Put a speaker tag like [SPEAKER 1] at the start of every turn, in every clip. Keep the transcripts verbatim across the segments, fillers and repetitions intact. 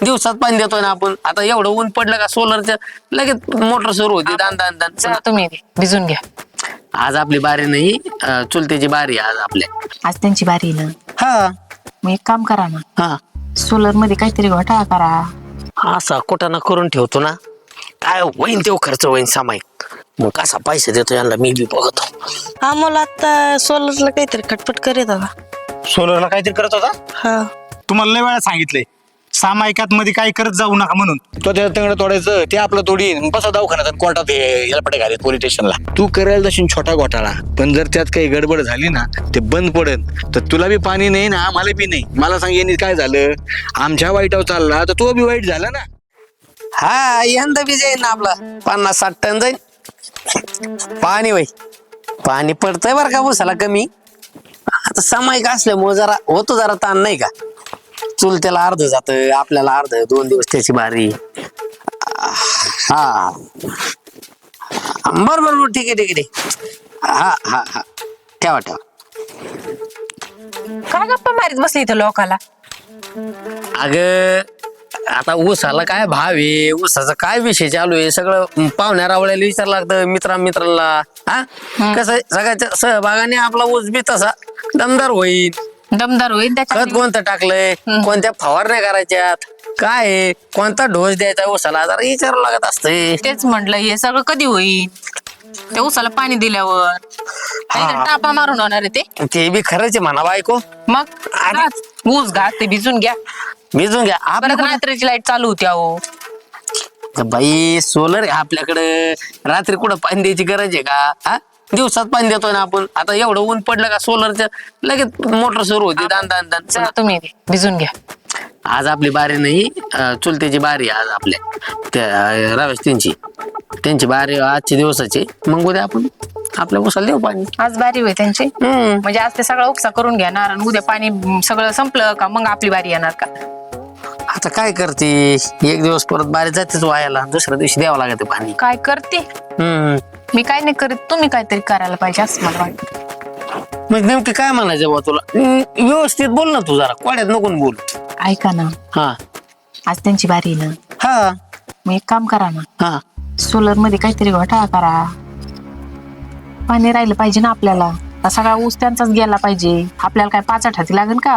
[SPEAKER 1] दिवसात पाणी देतोय ना आपण. आता एवढं ऊन पडलं का सोलरच्या लगेच मोटर सुरू होती दान दान दान.
[SPEAKER 2] चला तुम्ही भिजून घ्या.
[SPEAKER 1] आज आपली बारी नाही, अं, चुलत्याची बारी आहे आज आपल्या.
[SPEAKER 2] आज त्यांची बारी आहे ना.
[SPEAKER 1] हा
[SPEAKER 2] मग एक काम करा ना,
[SPEAKER 1] हा
[SPEAKER 2] सोलर मध्ये काहीतरी घोटाळा करा.
[SPEAKER 1] असा कुठं करून ठेवतो ना, काय होईन तेव्हा खर्च होईन सामायिक. मग कसा पैसे देतो यांना मी बी बघतो.
[SPEAKER 3] आम्हाला आता सोलरला काहीतरी खटपट करीत होता.
[SPEAKER 4] सोलरला काहीतरी करत होता.
[SPEAKER 3] हा
[SPEAKER 4] तुम्हाला लय वेळा सांगितलंय सामायिकात मध्ये काही करत जाऊ नका म्हणून. तो त्या तंगड तोडायचं ते आपलं तोडीन बसा दवाखान्यात आणि कोर्टात याला पटे घालीत पोलीस स्टेशनला. तू करायला तशी छोटा घोटाळा, पण जर त्यात काही गडबड झाली ना ते बंद पडेल तर तुला बी पाणी नाही ना आम्हाला बी नाही. मला सांग यांनी काय झालं, आमच्या वाईटावर चालला तर तो बी वाईट झाला ना.
[SPEAKER 1] हा यंदा बी जाईन ना आपला पन्नास साठ टन जाईल पाणी. वय पाणी पडतंय बरं का उसाला कमी. आता सामायिक असल्यामुळे जरा होतो जरा ताण नाही का. चुलत्याला अर्ध जात आपल्याला अर्ध, दोन दिवस त्याची बारी. हा बर बर ठीक आहे ठीक आहे ठीक. हा हा हा ठेवा ठेवा.
[SPEAKER 2] काय गप्पा मारीत बसली इथं लोकाला.
[SPEAKER 1] अग आता ऊसाला काय भाव आहे, ऊसाचा काय विषय चालू आहे सगळं पाहुण्या रावळ्याला विचार लागतं, मित्रा मित्राला. हा कसं सगळ्याच्या सहभागाने आपला ऊस बी तसा दमदार होईल.
[SPEAKER 2] दमदार होईल
[SPEAKER 1] खत
[SPEAKER 2] त्याच्यात.
[SPEAKER 1] कोणतं टाकलंय, कोणत्या फवारण्या करायच्यात, काय आहे, कोणता डोस द्यायचा ऊसाला जरा विचारावं लागत असतंय.
[SPEAKER 2] तेच म्हटलं हे सगळं कधी होईल, त्या ऊसाला पाणी दिल्यावर काहीतरी टापा मारून होणार आहे ते.
[SPEAKER 1] ते बी खरंच आहे म्हणा बायको.
[SPEAKER 2] मग घास, ऊस घास ते भिजून घ्या.
[SPEAKER 1] भिजून घ्या
[SPEAKER 2] परत
[SPEAKER 1] आपल्याकडे.
[SPEAKER 2] रात्रीची लाईट चालू होती अहो.
[SPEAKER 1] बाई सोलर आहे आपल्याकडे, रात्री कुठं पाणी द्यायची गरज आहे का. हा दिवसात पाणी देतोय ना आपण. आता एवढं ऊन पडलं का सोलरच्या लगेच मोटर सुरू होती दान दान दान.
[SPEAKER 2] चला तुम्ही भिजून घ्या.
[SPEAKER 1] आज आपली बारी नाही, अं, चुलत्याची बारी आज आपल्या त्या रवेश त्यांची त्यांची बारी आजच्या दिवसाची. मग उद्या आपण आपल्या उसाला देऊ पाणी.
[SPEAKER 2] आज बारी होय त्यांची.
[SPEAKER 1] हम्म
[SPEAKER 2] म्हणजे आज ते सगळं उपसा करून घेणार आणि उद्या पाणी म, सगळं संपलं का मग आपली बारी येणार का.
[SPEAKER 1] आता काय करते, एक दिवस परत बारी जातेच वायाला, दुसऱ्या दिवशी द्यावं लागत पाणी.
[SPEAKER 2] काय करते
[SPEAKER 1] हम्म
[SPEAKER 2] मी, काय नाही करीत, तुम्ही काहीतरी करायला पाहिजे असं मला वाटतं.
[SPEAKER 1] मग नेमकी काय म्हणायचं बा तुला. हम्म, व्यवस्थित बोल ना तू, जरा कोड्यात नको बोल.
[SPEAKER 2] ऐका ना,
[SPEAKER 1] हा
[SPEAKER 2] आज त्यांची बारी आहे ना.
[SPEAKER 1] हा
[SPEAKER 2] मग एक काम करा ना,
[SPEAKER 1] हा
[SPEAKER 2] सोलर मध्ये काहीतरी घोटाळा करा. पाणी राहिलं पाहिजे ना आपल्याला. हा सगळा ऊस त्यांचाच गेला पाहिजे, आपल्याला काय पाच हाती लागेल का.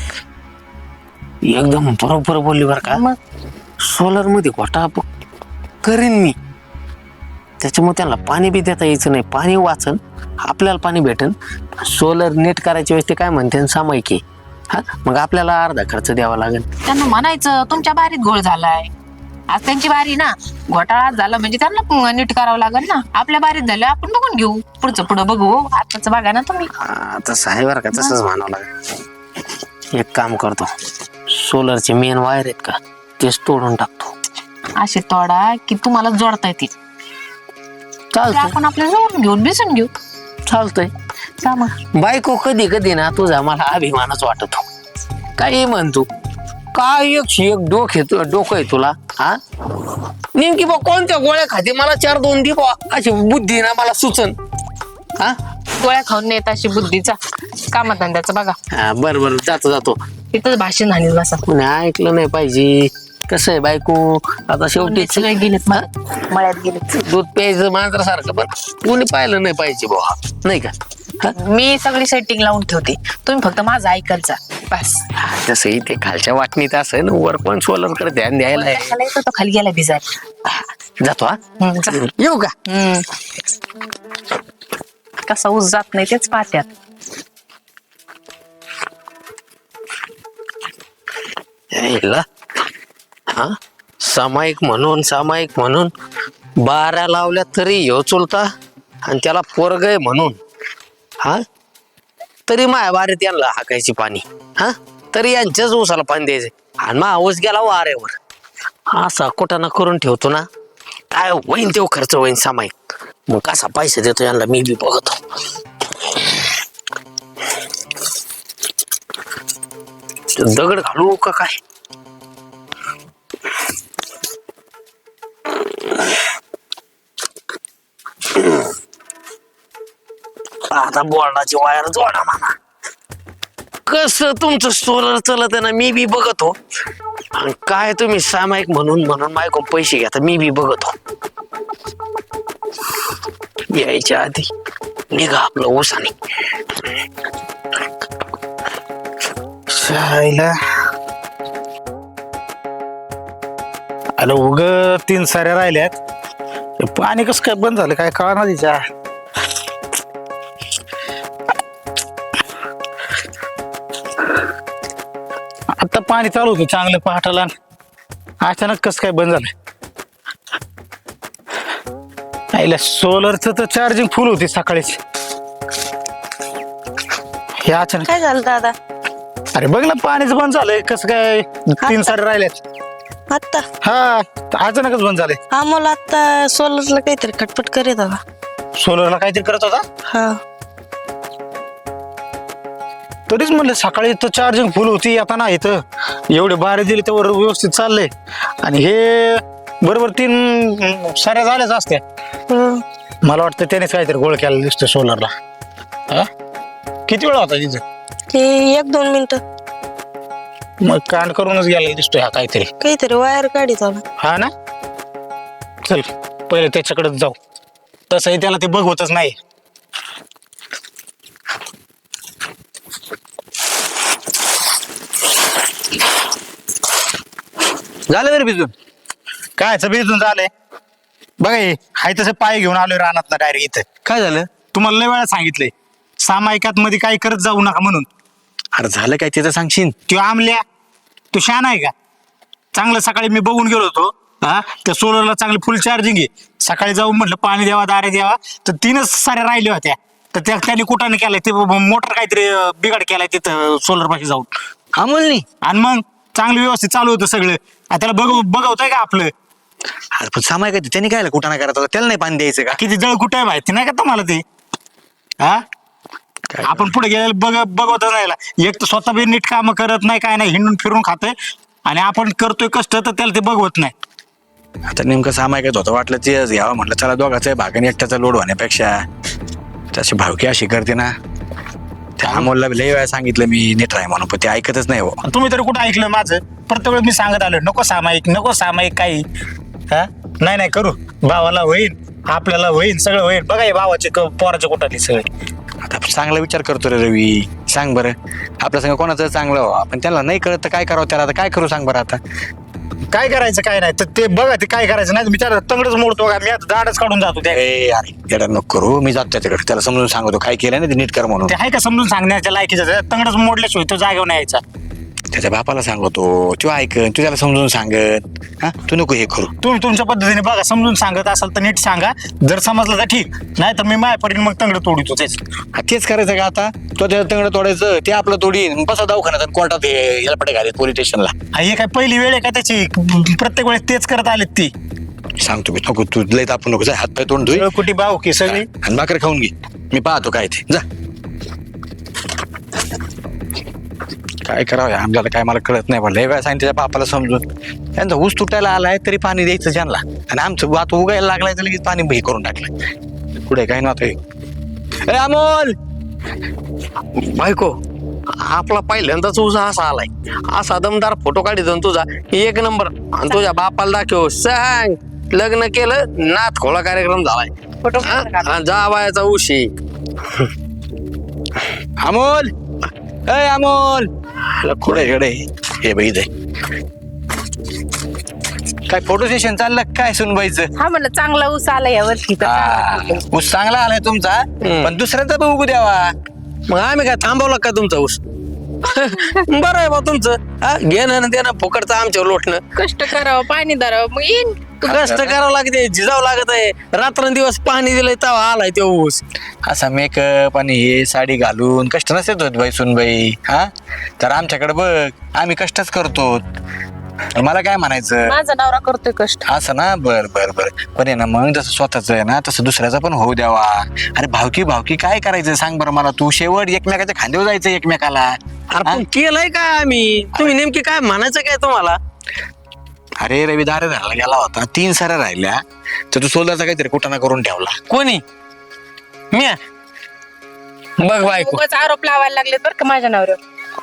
[SPEAKER 1] एकदम बरोबर बोलली बरं का.
[SPEAKER 2] मग
[SPEAKER 1] सोलर मध्ये घोटाळा प- करीन मी, त्याच्यामुळे त्यांना पाणी बी देता यायचं नाही. पाणी वाचन, आपल्याला पाणी भेटन. सोलर नेट करायच्या वेळेस ते काय म्हणते सामायिक आहे. हा मग आपल्याला अर्धा खर्च द्यावा लागेल.
[SPEAKER 2] त्यांना म्हणायचं तुमच्या बारीत घोळ झालाय, आज त्यांची बारी ना, घोटाळा आज झाला म्हणजे त्यांना नीट करावं लागेल ना. आपल्या बारीत झालं आपण बघून घेऊ, पुढचं पुढं बघू. आताच बघा ना तुम्ही.
[SPEAKER 1] हा, तसं आहे बरं का, तसंच म्हणावं लागेल. एक काम करतो, सोलरचे मेन वायर आहेत का तेच तोडून टाकतो.
[SPEAKER 2] असे तोडा की तुम्हाला जोडता येतील. ते
[SPEAKER 1] चालतंय
[SPEAKER 2] आपण आपल्या जोडून घेऊन भिजून घेऊ.
[SPEAKER 1] चालतंय.
[SPEAKER 2] सामा
[SPEAKER 1] बायको कधी कधी ना तुझा मला अभिमानच वाटतो. काही म्हणतो काय एकशे एक डोके डोकं आहे तुला. हा नेमकी बा कोणत्या गोळ्या खाते मला चार दोन दे बा, अशी बुद्धी ना मला सुचन. हा
[SPEAKER 2] गोळ्या खाऊन नेत अशी बुद्धीचा कामधंद्याचा बघा.
[SPEAKER 1] हा बरं बरं जातो जातो.
[SPEAKER 2] तिथंच भाषण झाली बसा.
[SPEAKER 1] कोणी ऐकलं नाही पाहिजे. कसं आहे बायको, आता शेवटी
[SPEAKER 2] सगळे गेलेत मळ्यात मळ्यात गेलेत.
[SPEAKER 1] दूध प्यायचं मांजरासारखं, पण कोणी पाहिलं नाही पाहिजे बा, नाही का. हा?
[SPEAKER 2] मी सगळी सेटिंग लावून ठेवते, तुम्ही फक्त माझं ऐकायचा बस.
[SPEAKER 1] तसंही ते खालच्या वाटणीत असं ना, वर पण सोलर कडे ध्यान द्यायला आहे.
[SPEAKER 2] खाली येतो तो खाली गेला भिजायला.
[SPEAKER 1] जातो हा.
[SPEAKER 2] हम्म, जा.
[SPEAKER 1] येऊ का.
[SPEAKER 2] हम्म. कसा ऊस जात नाही तेच पाहत्यात.
[SPEAKER 1] यायला हा सामायिक म्हणून सामायिक म्हणून बारा लावल्या तरी ह्यो चुलता, आणि त्याला पोरग आहे म्हणून हा तरी माया बारीत यांना हाकायची पाणी. हा तरी यांच्याच ऊसाला पाणी द्यायचं, आणि मा ऊस गेला वाऱ्यावर. असा कुठं करून ठेवतो ना, काय होईन तेव्हा खर्च होईन सामायिक. मग कसा पैसा देतो यांना मी बी बघतो. दगड घालू का काय. आता बोर्डाची वायर जोडा म्हणा. कस तुमचं सोलर चालत आहे ना, मी बी बघतो. आणि काय तुम्ही सामायिक म्हणून म्हणून माझ्याकडून पैसे घेता, मी बी बघतो. यायच्या आधी निघा आपलं ओसाने.
[SPEAKER 5] शायला आलं उग तीन साऱ्या राहिल्यात. हे पाणी कसं काय बंद झालं काय कळा ना तिच्या. आता पाणी चालू होतं चांगलं पहाटाला, अचानक कसं काय बंद झालं. आईला सोलरचं तर चार्जिंग फुल होती सकाळीच, हे अचानक.
[SPEAKER 3] काय झालं दादा?
[SPEAKER 5] अरे बघ ना पाणीच बंद झालंय कसं काय, तीन सारे राहिल्यात.
[SPEAKER 3] आत्ता
[SPEAKER 5] हा अचानकच बंद झाले.
[SPEAKER 3] हा मला आता सोलरला काहीतरी खटपट करीत दादा.
[SPEAKER 5] सोलरला काहीतरी करत होता.
[SPEAKER 3] हा
[SPEAKER 5] तरीच म्हणलं सकाळी तर चार्जिंग फुल होती, आता नाही इथं एवढे बारे दिले त्यावर व्यवस्थित चाललंय. आणि हे बरोबर तीन साऱ्या झाल्याच असत्या.
[SPEAKER 3] हं.
[SPEAKER 5] मला वाटतं त्यानेच काहीतरी गोळ केला दिसतो सोलरला. हा किती वेळ होता तिथं?
[SPEAKER 3] ते एक दोन मिनिट
[SPEAKER 5] मग कांड करूनच गेला दिसतोय हा काहीतरी.
[SPEAKER 3] काहीतरी वायर काढीत होता.
[SPEAKER 5] हा ना, चल पहिले त्याच्याकडेच जाऊ. तसंही त्याला ते बघवतच नाही.
[SPEAKER 4] झालं तरी भिजून.
[SPEAKER 5] कायच भिजून झालंय बघा. हे हाय तसं पाय घेऊन आलोय रानात ना डायरेक्ट इथं.
[SPEAKER 4] काय झालं?
[SPEAKER 5] तुम्हाला लय वेळा सांगितलंय सामायिकात मध्ये काही करत जाऊ नका म्हणून.
[SPEAKER 4] अरे झालं काय ते तर सांगशील.
[SPEAKER 5] तो आमल्या तू शान आहे का? चांगलं सकाळी मी बघून गेलो होतो. हा त्या सोलरला चांगली फुल चार्जिंग आहे. सकाळी जाऊन म्हटलं पाणी द्यावा दारे द्यावा तर तीनच साऱ्या राहिल्या होत्या. तर त्या त्याने कुठाने केलाय ते मोटर काहीतरी अं, बिघाड केलाय तिथं सोलर पाशी जाऊन.
[SPEAKER 4] अमोलनी
[SPEAKER 5] आणि मग चांगलं व्यवस्थित चालू होतं सगळं. आता त्याला बघ बघवतंय का आपलं
[SPEAKER 4] अरे पण सामाय काय त्यांनी काय कुठं नाही करत होता, त्याला नाही पाणी द्यायचं का?
[SPEAKER 5] किती जळ कुठं आहे माहिती नाही का तुम्हाला ते? हा आपण पुढे गेलेलं बघ बघवत नाही. एक तर स्वतः बी नीट काम करत नाही काय नाही, हिंडून फिरून खातोय. आणि आपण करतोय कष्ट तर त्याला ते बघवत नाही.
[SPEAKER 4] आता नेमकं सामाय काय होतं, वाटलं तेच घ्यावं म्हटलं चला दोघाचा भाग आणि एकट्याचा लोड होण्यापेक्षा त्याची भावकी अशी करते ना. त्या अमोलला लय वेळा सांगितलं मी नीट राह म्हणून, पण ते ऐकतच नाही हो.
[SPEAKER 5] आणि तुम्ही तरी कुठं ऐकलं माझं? प्रत्येक वेळेस मी सांगत आलो नको सामायिक नको सामायिक काही. हा नाही नाही करू, भावाला होईल आपल्याला होईल सगळं होईल. बघा हे भावाचे क- पोराचे कुठाली सगळे.
[SPEAKER 4] आता चांगला विचार करतो रे रवी. सांग बरं आपल्या संग कोणाचं चांगलं व्हावं, पण त्याला नाही कळत तर काय करावं त्याला. आता काय करू सांग बरं आता.
[SPEAKER 5] काय करायचं काय नाही तर ते बघा ते काय करायचं नाही. मी त्याला तंगडच मोडतो का, मी आता दाडच काढून जातो. ते
[SPEAKER 4] ए अरे येडा नको करू, मी जातो त्याच्याकडे त्याला समजून सांगतो काय केलं ना ते नीट कर म्हणून.
[SPEAKER 5] ते आहे का समजून सांगण्याच्या लायकीचं? तंगडच मोडल्याशिवाय तो जागेवर नाही यायचा.
[SPEAKER 4] त्याच्या बापाला सांगतो तो ऐकन, तू त्याला समजून सांगत. हा तू नको हे करू.
[SPEAKER 5] तुम्ही तुमच्या पद्धतीने बघा, समजून सांगत असाल तर नीट सांगा. जर समजलं तर ठीक, नाही तर मी माझ्यापर्यंत मग तंगड तोडीतो तेच.
[SPEAKER 4] हा, तेच करायचं का आता? तो त्याचं तंगड तोडायचं, ते आपलं तोडीन बसा दवाखान्यात आणि कोर्टात याला पटे घालेत पोलीस स्टेशनला.
[SPEAKER 5] हा, हे काय पहिली वेळ आहे का त्याची? प्रत्येक वेळेस तेच करत आलेत ती.
[SPEAKER 4] सांगतो मी नको, तू लय तापू नको. जा हात पाय तोंड धुई
[SPEAKER 5] कुठे भाऊ की सगळी.
[SPEAKER 4] आणि भाकर खाऊन घे. मी पाहतो काय ते. जा काय करावं आमच्याला काय मला कळत नाही. लय वेळा सांगितलं त्याच्या बापाला समजून. त्यांचा ऊस तुटायला आलाय तरी पाणी द्यायचं त्यांना, आणि आमचं वात उगायला लागलाय तर लगेच पाणी हे करून टाकलं. पुढे काय नव्हतं. अमोल
[SPEAKER 1] बायको आपला पहिल्यांदाच ऊस असा आलाय. असा दमदार फोटो काढितो ना तुझा एक नंबर. आणि तुझ्या बापाला दाखव सांग लग्न केलं नाथ खोळा कार्यक्रम झालाय.
[SPEAKER 2] फोटो
[SPEAKER 1] हा? आणि जावायचा उशी.
[SPEAKER 4] अमोल अय अमोल पुढे कडे हे बाई दे. काय फोटो सेशन चाललं काय सुनबाईचं?
[SPEAKER 2] हा म्हणलं चांगला ऊस आला या वर्षी तर चांगला फोटो.
[SPEAKER 4] ऊस चांगला आलाय तुमचा, पण दुसऱ्याचा पण उगू द्यावा.
[SPEAKER 1] मग आम्ही काय थांबवला का तुमचा ऊस? बरं आहे बा तुमचं. हा, घेणं आणि देणं फुकटचं आमच्यावर लोटणं.
[SPEAKER 2] कष्ट करावं पाणी धरावं मग येईन.
[SPEAKER 1] कष्ट करावं लागते, झिजावं लागत आहे. रात्रंदिवस पाणी दिलंय तेव्हा आलाय तो ऊस.
[SPEAKER 4] असा मेकअप आणि हे साडी घालून कष्ट नसत होत बाई सुनबाई. हा तर आमच्याकडे बघ आम्ही कष्टच करतो. मला काय म्हणायचं
[SPEAKER 2] माझा नवरा करतोय कष्ट.
[SPEAKER 4] असं ना. बर बर बर पण आहे ना, मग जसं स्वतःच आहे ना तसं दुसऱ्याचा पण होऊ द्यावा. अरे भावकी भावकी काय करायचं सांग बरं मला तू. शेवट एकमेकाच्या खांद्यावर जायचं एकमेकाला.
[SPEAKER 1] अरे पण केलंय काय आम्ही? तुम्ही नेमकी काय म्हणायचं काय तुम्हाला?
[SPEAKER 4] अरे रवी दारे धरायला गेला होता, तीन साऱ्या राहिल्या तर तू सोलरचा काहीतरी कुटाणा करून ठेवला.
[SPEAKER 1] कोणी? मी बघ बायको
[SPEAKER 2] उगाच आरोप लावायला लागले बरं का माझ्या नवऱ्यावर.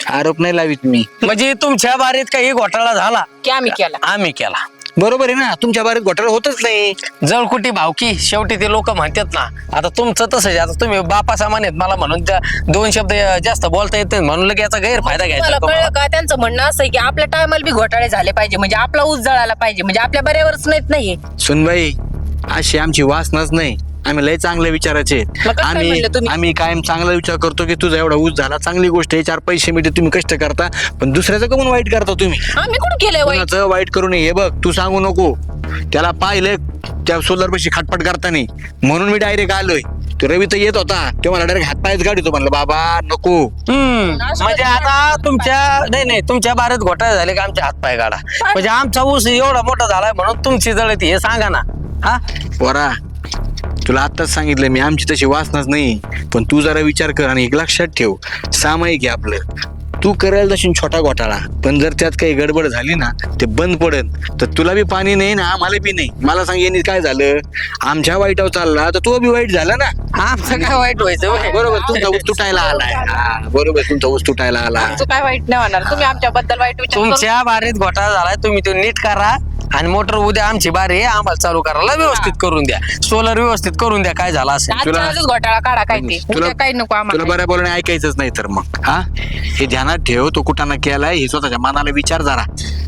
[SPEAKER 4] आरोप नाही लावित मी.
[SPEAKER 1] म्हणजे तुमच्या बारीत काही घोटाळा झाला
[SPEAKER 2] की आम्ही केला
[SPEAKER 1] आम्ही केला.
[SPEAKER 4] बरोबर आहे ना, तुमच्या बारीत घोटाळा होतच नाही.
[SPEAKER 1] जळकुटी भावकी शेवटी ते लोक म्हणतात ना. आता तुमचं तसंच आहे. आता तुम्ही बापा सामान आहेत मला म्हणून त्या दोन शब्द जास्त बोलता येत म्हणून लगे याचा गैरफायदा घ्यायचा
[SPEAKER 2] मला
[SPEAKER 1] तुम्हाला.
[SPEAKER 2] कळलं का त्यांचं म्हणणं असं आहे की आपल्या टायमाला बी घोटाळे झाले पाहिजे म्हणजे आपला ऊस जळाला पाहिजे म्हणजे आपल्या बऱ्यावरच नाहीत नाहीये.
[SPEAKER 4] सुनबाई अशी आमची वासनाच नाही. आम्ही लय चांगले विचाराचे आहेत.
[SPEAKER 2] मग कसं काय
[SPEAKER 4] आम्ही
[SPEAKER 2] म्हणलं तुम्ही?
[SPEAKER 4] आम्ही कायम चांगला विचार करतो की तुझा एवढा ऊस झाला, चांगली गोष्ट आहे, चार पैसे मिळते, तुम्ही कष्ट करता, पण दुसऱ्याचं कमून वाईट करता तुम्ही.
[SPEAKER 2] आम्ही कुठं केलंय वाईट?
[SPEAKER 4] कोणाचं वाईट करू नये हे बघ, तू सांगू नको. त्याला पाहिलं त्या सोलर पैसे खटपट करताना म्हणून मी डायरेक्ट आलोय. तो रवी तर येत होता ते मला डायरेक्ट हातपायच गाडीतो, म्हणलं बाबा नको.
[SPEAKER 1] हम्म म्हणजे आता तुमच्या नाही नाही तुमच्या बारीत घोटाळे झाले का आमचे हातपाय काढा. म्हणजे आमचा ऊस एवढा मोठा झालाय म्हणून तुमची जळती हे सांगा ना. हा
[SPEAKER 4] पोरा तुला आत्ताच सांगितलं मी, आमची तशी वासनाच नाही, पण तू जरा विचार कर आणि एक लक्षात ठेव, सामायिक आहे आपलं. तू करायला तशी छोटा घोटाळा, पण जर त्यात काही गडबड झाली ना ते बंद पडन, तर तुला बी पाणी नाही ना आम्हाला बी नाही. मला सांग यांनी काय झालं, आमच्या वाईटावर चालला तर तो बी वाईट झाला ना.
[SPEAKER 1] आमचं काय वाईट व्हायचं होय?
[SPEAKER 4] बरोबर, तुमचा ऊस तुटायला आलाय. हा, बरोबर, तुमचा ऊस तुटायला आला.
[SPEAKER 2] तू काय वाईट नाही होणार, तुम्ही आमच्याबद्दल वाईट विचार करू
[SPEAKER 1] तुमच्या बारीत घोटाळा झालाय तुम्ही तो नीट करा आणि मोटर उद्या आमची बारी आहे आम्हाला चालू करायला व्यवस्थित करून द्या. सोलर व्यवस्थित करून द्या काय झालं असेल.
[SPEAKER 2] आजच्या आजच घोटाळा काढा काय ते उद्या काही नको
[SPEAKER 4] तुला
[SPEAKER 2] आम्हाला.
[SPEAKER 4] बऱ्या बोलणे ऐकायचंच नाही तर मग हा हे ध्यानात ठेव. तो कुठाना केलाय हे स्वतःच्या मनाला विचार जरा,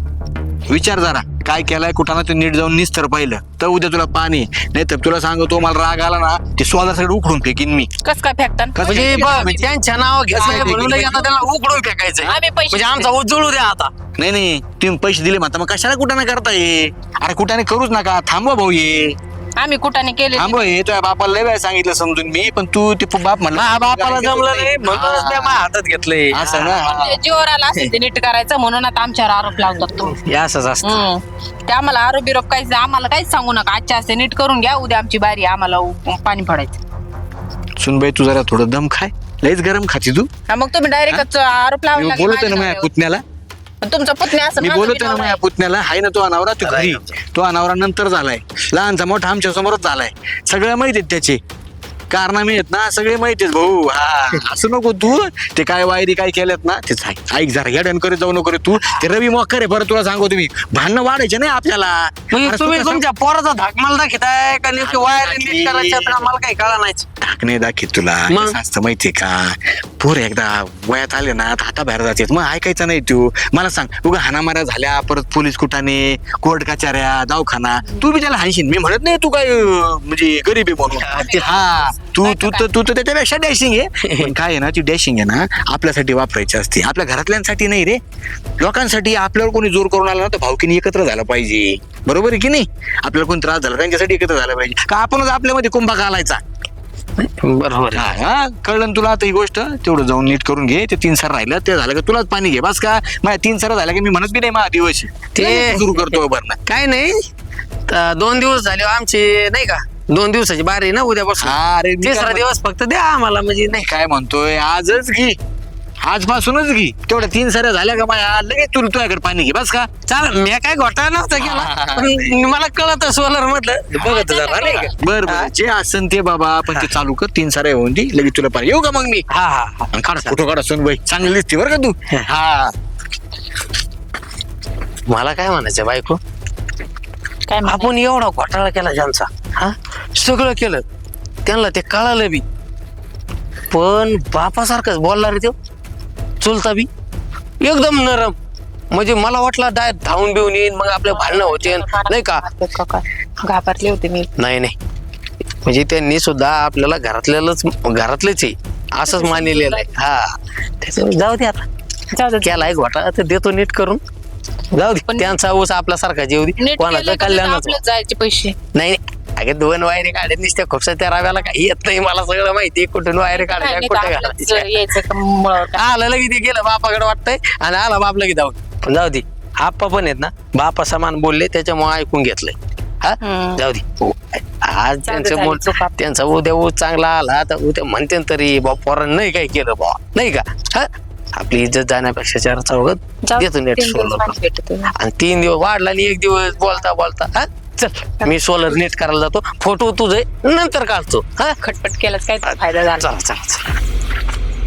[SPEAKER 4] विचार जरा काय केलाय कुठाना ते नीट जाऊन निस्तर पाहिलं तर उद्या तुला पाणी नाही तर तुला सांगतो मला राग आला ना ते सोला सगळं उखडून फेकीन मी.
[SPEAKER 2] कस काय फेकतान?
[SPEAKER 4] कसं
[SPEAKER 1] म्हणजे
[SPEAKER 4] काय?
[SPEAKER 1] बघ, त्यांच्या नाव घेतलंय म्हणून आता त्याला उकडून फेकायचंय.
[SPEAKER 2] आम्ही पैसे
[SPEAKER 1] म्हणजे आमचा उजळू द्या आता.
[SPEAKER 4] नाही नाही तुम्ही पैसे दिले म्हणता मग कशाला कुठाने करताय? अरे कुठाने करूच नका, थांबवा भाऊ ये
[SPEAKER 2] आम्ही कुठाने केले
[SPEAKER 4] थांबवा हे. तुझ्या बापाला लय वेळा सांगितलं समजून मी, पण तू ते बाप म्हणला
[SPEAKER 1] माझ्या बापाला जमलं नाही म्हणूनच मी माझ्या हातात घेतलंय.
[SPEAKER 4] असं ना.
[SPEAKER 2] म्हणजे जीवर आला असेल ते नीट करायचं म्हणून आता आमच्यावर आरोप लावतात तुम्ही.
[SPEAKER 1] हे असंच असतं.
[SPEAKER 2] हम्म. ते आम्हाला आरोप बिरोप काहीच आम्हाला काहीच सांगू नका. आजच्या असते नीट करून घ्या, उद्या आमची बारी आहे, आम्हाला उ- पाणी पडायचं.
[SPEAKER 4] सुनबाई तू जरा थोडं दम खाय, लयच गरम खाती तू.
[SPEAKER 2] हा, मग तुम्ही डायरेक्ट आरोप
[SPEAKER 4] मी
[SPEAKER 2] लावला की
[SPEAKER 4] बोलतोय ना
[SPEAKER 2] माझ्या
[SPEAKER 4] माझ्या
[SPEAKER 2] नावावर.
[SPEAKER 4] पुतण्याला,
[SPEAKER 2] तुमचा पुतण्या असं
[SPEAKER 4] मी
[SPEAKER 2] माझा
[SPEAKER 4] बोलतोय
[SPEAKER 2] बी
[SPEAKER 4] ना
[SPEAKER 2] नवरा
[SPEAKER 4] माझ्या
[SPEAKER 2] आहे.
[SPEAKER 4] पुतण्याला. हाय ना तो अनावरा तू घरी, तो अनावरा नंतर झालाय, लहानचा मोठा आमच्या समोरच झालाय, सगळं माहित आहेत त्याचे कारनामे आहेत ना, सगळे माहित आहेत भाऊ. हा असं नको तू, ते काय वायरी काय केल्यात ना ते सांग. ऐक जरा येडण करत जाऊ नको रे तू. ते रवी मॉकर आहे बरं, तुला सांगू तुम्ही भांडणं वाढायचे नाही आपल्याला.
[SPEAKER 1] म्हणजे
[SPEAKER 4] अरे
[SPEAKER 1] तुम्ही
[SPEAKER 4] तू
[SPEAKER 1] तुमच्या पोराचा धाक मला दाखवताय का नेमकी वायर नीट करायचं तर आम्हाला काही कळा नाही.
[SPEAKER 4] धाक नाही दाखीत तुला,
[SPEAKER 1] मग?
[SPEAKER 4] कसं असतं माहितीये का, पोर एकदा वयात आले ना हाता बाहेर जातात, मग ऐकायचं नाही तू. मला सांग उगा हाणामाऱ्या झाल्या, परत पोलीस कुठाने, कोर्ट कचाऱ्या, दवाखाना, तू बी त्याला हाणशील. मी म्हणत नाही तू काय अं, म्हणजे गरीब आहे म्हणून. हा तू तू तर तू तर त्याच्यापेक्षा डॅशिंग आहे. पण काय आहे ना, ती डॅशिंग आहे ना आपल्यासाठी वापरायची असते, आपल्या घरातल्यांसाठी नाही रे, लोकांसाठी. आपल्यावर कोणी जोर करून आला ना तर भावकीने एकत्र झालं पाहिजे, बरोबर आहे की नाही. आपल्याला कोणी त्रास झाला त्यांच्यासाठी एकत्र झालं पाहिजे का आपणच आपल्यामध्ये कुंभा घालायचा.
[SPEAKER 1] बरोबर आहे.
[SPEAKER 4] हा कळलं ना तुला आता ही गोष्ट. तेवढं जाऊन नीट करून घे. ते तीन सर राहिलं ते झालं का तुलाच पाणी घे बस का. माझ्या तीन सर झालं की मी म्हणत बी नाही माझा दिवस
[SPEAKER 1] ते-
[SPEAKER 4] सुरू करतो भरणं.
[SPEAKER 1] काय नाही त- दोन दिवस झाले आमचे नाही का, दोन दिवसाची बारी आहे ना उद्यापासून.
[SPEAKER 4] हा अरे मी काय
[SPEAKER 1] तिसरा
[SPEAKER 4] म्हण-
[SPEAKER 1] दिवस फक्त द्या आम्हाला म्हणजे नाही.
[SPEAKER 4] काय म्हणतोय आजच घे, आजपासूनच घे. तेवढ्या तीन सऱ्या झाल्या का माझ्या लगेच तुला तुझ्याकडे पाणी घे बस का.
[SPEAKER 1] चाल मी काय घोटाळा नव्हता केला, पण मला कळत सोलर म्हटलं बघत जरा नाही का.
[SPEAKER 4] बर बर जे असन ते बाबा, पण ते चालू कर. तीन सऱ्या होऊन दे लगेच तुला पाणी. येऊ का मग मी.
[SPEAKER 1] हा हा हा.
[SPEAKER 4] आणि काढा फोटो काढा सोनबाई, चांगली दिसते बरं का तू. हा
[SPEAKER 1] मला काय म्हणायचं बायको,
[SPEAKER 2] काय म्हणा?
[SPEAKER 1] आपण एवढा घोटाळा केला ज्यांचा, हा सगळं केलं त्यांना ते कळालं बी, पण बापासारखंच बोलला रे तो चुलता बी एकदम नरम. म्हणजे मला वाटलं डाय धावून बिवून येईन मग आपले भांडणं होते नाही का.
[SPEAKER 2] घाबरले होते मी.
[SPEAKER 1] नाही नाही म्हणजे त्यांनी सुद्धा आपल्याला घरातल्यालाच घरातलेच आहे असंच मानलेलं आहे. हा त्याच्यामुळे जाऊ दे आता,
[SPEAKER 2] जाऊ दे.
[SPEAKER 1] केलाय घोटाळा तर देतो नीट करून, जाऊ दे. त्यांचा ऊस आपल्यासारखा जेव दे,
[SPEAKER 2] नीट
[SPEAKER 1] कोणाचं
[SPEAKER 2] केलं का
[SPEAKER 1] कल्याणच
[SPEAKER 2] आपलंच जायचे पैसे.
[SPEAKER 1] नाही. अगे दोन वायरे काढत निसत्या खुपसा त्या राव्याला काही येत नाही. मला सगळं माहिती कुठून वायरे काढायच्या
[SPEAKER 2] नाही,
[SPEAKER 1] कुठे
[SPEAKER 2] नाही तर आपलंच
[SPEAKER 1] घालायच्या.
[SPEAKER 2] यायचं का मुळावर टाक.
[SPEAKER 1] आलं लगे ते गेलं बापाकडे वाटतंय आणि आला बाप लगे जाऊ. पण जाऊ दे, आप्पा पण आहेत ना बापा समान बोलले त्याच्यामुळे ऐकून घेतलंय. हा
[SPEAKER 2] हम्म.
[SPEAKER 1] जाऊ दे. हो. आज
[SPEAKER 2] दे,
[SPEAKER 1] त्यांचं
[SPEAKER 2] झाली
[SPEAKER 1] बोल
[SPEAKER 2] चूक आपली.
[SPEAKER 1] त्यांचा उद्या ऊस चांगला आला तर उद्या म्हणते तरी बा पोरांनी नाही काय केलं बा नाही का. हा आपली इज्जत जाण्यापेक्षा चार चौघत
[SPEAKER 2] जाऊ दे,
[SPEAKER 1] देतो नेट
[SPEAKER 2] तीन दिवस
[SPEAKER 1] सोलर.
[SPEAKER 2] पाणी भेटतं.
[SPEAKER 1] आणि तीन दिवस वाढला आणि एक दिवस बोलता बोलता हा चल मी सोलर नेट करायला जातो. फोटो तुझे नंतर काढतो. हा
[SPEAKER 2] खटपट केलाच काय फायदा झाला.
[SPEAKER 1] चला चला चला.